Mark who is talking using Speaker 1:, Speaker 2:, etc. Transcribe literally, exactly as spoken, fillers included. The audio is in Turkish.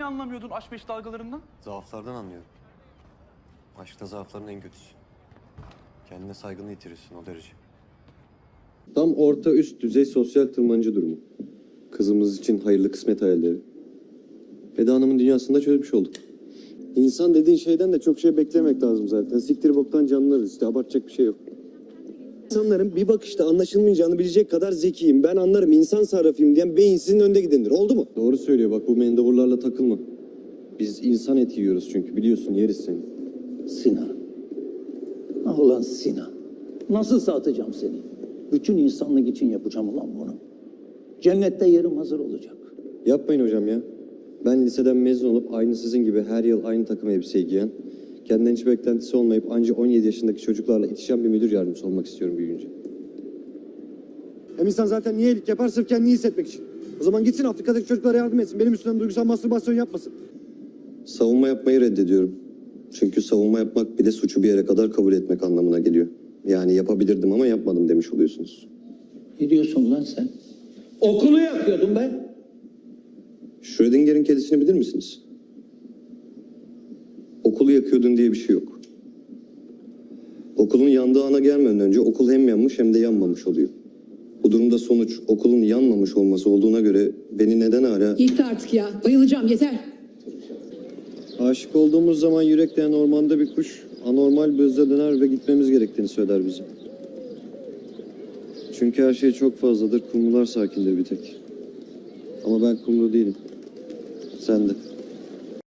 Speaker 1: anlamıyordun aşk beş dalgalarından?
Speaker 2: Zaaflardan anlıyorum. Aşkta zaafların en kötüsü. Kendine saygını yitirirsin o derece. Tam orta üst düzey sosyal tırmancı durumu. Kızımız için hayırlı kısmet hayalleri. Eda Hanım'ın dünyasında çözmüş olduk. İnsan dediğin şeyden de çok şey beklemek lazım zaten. Siktir boktan canlılarız işte, abartacak bir şey yok. İnsanların bir bakışta anlaşılmayacağını bilecek kadar zekiyim, ben anlarım, insan sarrafıyım diyen beyinsizin önde gidendir. Oldu mu? Doğru söylüyor, bak bu mendevurlarla takılma. Biz insan eti yiyoruz çünkü, biliyorsun, yeriz seni.
Speaker 3: Sinan. Ah ulan Sinan. Nasıl satacağım seni? Bütün insanlık için yapacağım ulan bunu. Cennette yerim hazır olacak.
Speaker 2: Yapmayın hocam ya. Ben liseden mezun olup aynı sizin gibi her yıl aynı takım elbiseyi giyen, kendinden hiç beklentisi olmayıp ancak on yedi yaşındaki çocuklarla itişen bir müdür yardımcısı olmak istiyorum büyüyünce.
Speaker 4: Hem insan zaten niye iyilik yapar? Sırf kendini iyi hissetmek için. O zaman gitsin Afrika'daki çocuklara yardım etsin. Benim üstümden duygusal mastürbasyon yapmasın.
Speaker 2: Savunma yapmayı reddediyorum. Çünkü savunma yapmak bile suçu bir yere kadar kabul etmek anlamına geliyor. Yani yapabilirdim ama yapmadım demiş oluyorsunuz.
Speaker 3: Ne diyorsun lan sen? Okulu yakıyordun be.
Speaker 2: Schrödinger'in kedisini bilir misiniz? Okulu yakıyordun diye bir şey yok. Okulun yandığı ana gelmeden önce okul hem yanmış hem de yanmamış oluyor. Bu durumda sonuç okulun yanmamış olması olduğuna göre beni neden hala...
Speaker 5: Yetti artık ya. Bayılacağım, yeter.
Speaker 2: Aşık olduğumuz zaman yürekleyen ormanda bir kuş anormal bir hızla döner ve gitmemiz gerektiğini söyler bize. Çünkü her şey çok fazladır, kumrular sakindir bir tek. Ama ben kumru değilim. Sen de.